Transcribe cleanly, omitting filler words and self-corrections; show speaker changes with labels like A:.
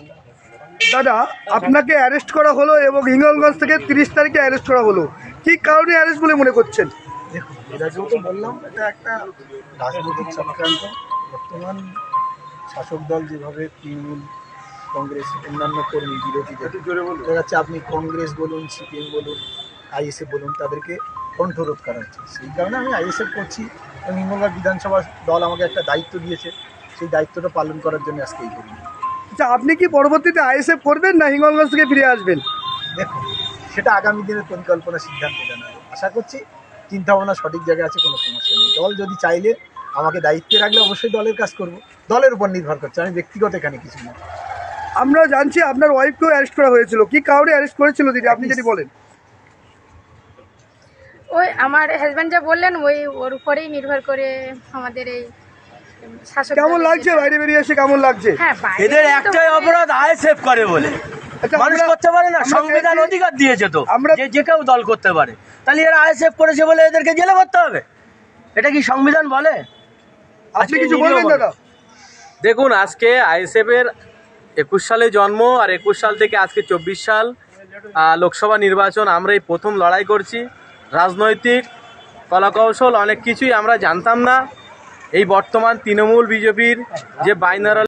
A: দাদা, আপনাকে অ্যারেস্ট করা হলো এবং হিঙ্গলগঞ্জ থেকে 30 তারিখে অ্যারেস্ট করা হলো, কি কারণে অ্যারেস্ট বলে মনে করছেন?
B: দেখুন, এর আগেও তো বললাম, এটা একটা রাজনৈতিক চক্রান্ত। বর্তমান শাসক দল যেভাবে তৃণমূল, কংগ্রেস, অন্যান্য কর্মী বিরোধীদের দেখা যাচ্ছে, আপনি কংগ্রেস বলুন, সিপিএম বলুন, আইএসএফ বলুন, তাদেরকে কণ্ঠরোধ করা হচ্ছে। সেই কারণে আমি আইএসএফ করছি এবং হিঙ্গলগঞ্জ বিধানসভা দল আমাকে একটা দায়িত্ব দিয়েছে, সেই দায়িত্বটা পালন করার জন্য আজকে এই করি।
A: আচ্ছা, আপনি কি পরবর্তীতে আইএসএফ করবেন না হিঙ্গলগঞ্জ থেকে ফিরে আসবেন?
B: দেখুন, সেটা আগামী দিনের পরিকল্পনা সিদ্ধান্ত জানাবে। আশা করছি চিন্তাভাবনা সঠিক জায়গায় আছে, কোনো সমস্যা নেই। দল যদি চাইলে আমাকে দায়িত্বে রাখলে অবশ্যই দলের কাজ করব, দলের উপর নির্ভর করছে, আমি ব্যক্তিগত এখানে কিছু না।
A: আমরা জানছি আপনার ওয়াইফকেও অ্যারেস্ট করা হয়েছিল, কি কারণে অ্যারেস্ট করেছিল দিদি, আপনি যদি বলেন?
C: ওই আমার হাজব্যান্ড যা বললেন ওর উপরেই নির্ভর করে আমাদের এই শাসক
A: কেমন
C: দলের
A: লাগছে
C: যেটা-
A: বাইরে বেরিয়ে এসে, কেমন লাগছে?
C: হ্যাঁ, বাইরে
D: এদের
C: তো
D: একটাই
C: মানে-
D: অপরাধ, আইএসএফ করে বলে।
A: আচ্ছা,
D: মানুষ
A: আমরা-
D: করতে পারে না,
A: আমরা
D: সংবিধান
A: চাইছি-
D: অধিকার দিয়েছে তো,
A: আমরা-
D: যে যে কেউ দল করতে পারে। তাহলে এরা আইএসএফ করেছে বলে এদেরকে জেলে ভরতে হবে? এটা কি সংবিধান বলে?
A: আপনি
D: আজকে
A: কিছু
D: ভিডিও
A: বলবেন
D: বলো।
A: দাদা?
E: দেখুন, আজকে আইএসএফের 21 সালে জন্ম, আর 21 সাল থেকে আজকে 24 সাল লোকসভা নির্বাচন আমরা এই প্রথম লড়াই করছি। রাজনৈতিক কলাকৌশল অনেক কিছুই আমরা জানতাম না। এই বর্তমান তৃণমূল বিজেপির যে বাইনারাল